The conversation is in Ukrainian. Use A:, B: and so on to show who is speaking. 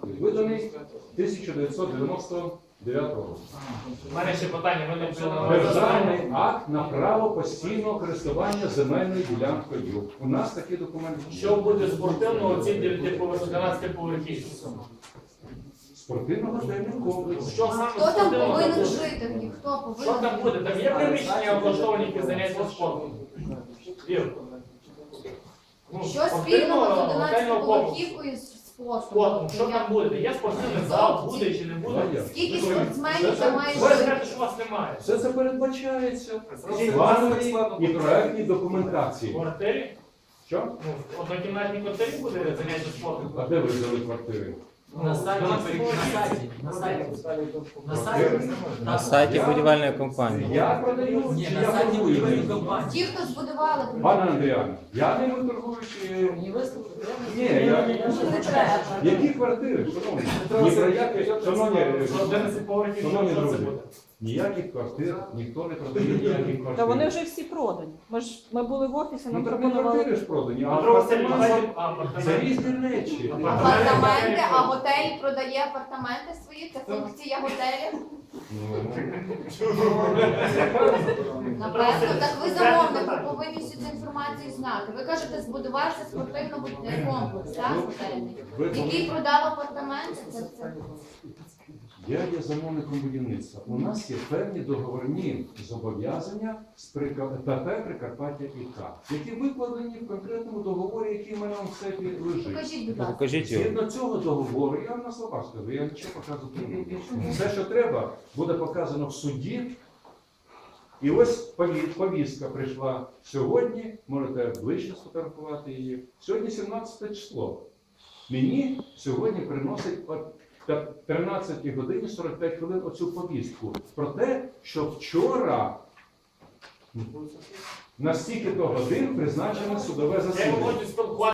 A: виданий 1999 року.
B: У мене ще питання, ви не вжили
A: Державний акт на право постійного користування земельною ділянкою. У нас такі документи.
B: Що буде спортивного ці 12 поверхів?
A: Спортивно-готельний комплекс.
B: Що саме
C: Хто там
B: спортивного?
C: повинен жити в них? Хто
B: Що
C: повинен?
B: там буде? Там є приміщення облаштовані які заняття спортом? Ір. Ну,
C: Що спільного з
B: готельного комплексу.
C: 11-поверхівкою з спортом?
B: Спортом, що там буде? Є спортивний зал, буде чи не буде?
C: Скільки спортсменів
A: Це-
C: там має
B: Ви
C: жити?
B: скажете, що у вас немає.
A: Все це передбачається в
B: Скажіть,
A: плановій і проектній
B: В
A: документації.
B: квартирі?
A: Що?
B: Ну, в однокімнатній квартирі буде заняття спортом?
A: А де ви взяли квартири?
D: На сайті,
E: На сайті будівельної компанії.
A: Я продаю,
D: Ні,
A: чи
D: на
A: я
D: сайті
A: торгую?
D: будівельної компанії.
C: Ті, хто збудували,
A: Пане Андріане, я не торгую, чи...
D: Ні, виступ.
A: Ні, я...
C: не треба.
A: Які квартири, шановні? Ні про які, шановні,
B: Що 11 поверхів,
A: шановні
B: що це
A: друзі,
B: буде?
A: ніяких квартир, ніхто не продає ніяких квартир.
F: Та вони вже всі продані. Ми були в офісі,
A: Ну
F: нам
A: так не
F: пропонували.
A: квартири ж продані, а
B: Петро Васильович,
A: апартаменти
B: апартаменти.
A: це різні речі.
C: Апартаменти, а готель продає апартаменти свої, це функція готелю. Напевно, так ви замовник, ви повинні всю цю інформацію знати. Ви кажете, збудувався спортивно-будівельний комплекс, так, готельний, який продав апартаменти. Це
A: Я є замовником будівництва. У нас є певні договорні зобов'язання з ПП Прикарпаття ІК, які викладені в конкретному договорі, який в мене в сейфі лежить.
C: покажіть, будь ласка.
E: Покажіть його.
A: Згідно цього договору, я вам на словах скажу, я нічого показувати не буду. Все, що треба, буде показано в суді. І ось повістка прийшла сьогодні, можете ближче сфотографувати її. Сьогодні 17 число. Мені сьогодні приносить о 13 годині 45 хвилин оцю повістку про те, що вчора на стільки-то годин призначено судове
B: Я
A: засідання.
B: хочу спілкуватися.